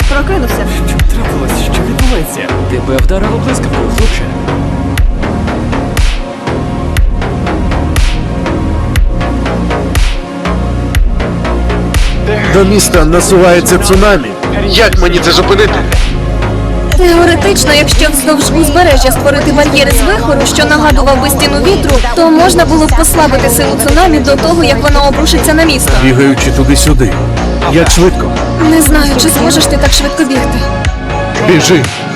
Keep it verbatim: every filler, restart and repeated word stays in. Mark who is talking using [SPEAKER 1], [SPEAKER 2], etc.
[SPEAKER 1] Прокинувся.
[SPEAKER 2] Що трапилось? Що відбувається? Тебе вдарило блискавкою, хлопче.
[SPEAKER 3] До міста насувається цунамі. Як мені це зупинити?
[SPEAKER 1] Теоретично, якщо вздовж узбережжя створити бар'єри з вихору, що нагадував би стіну вітру, то можна було б послабити силу цунамі до того, як воно обрушиться на місто.
[SPEAKER 3] Бігаючи туди-сюди. Як швидко?
[SPEAKER 1] Не знаю, чи зможеш ти так швидко бігти.
[SPEAKER 3] Біжи.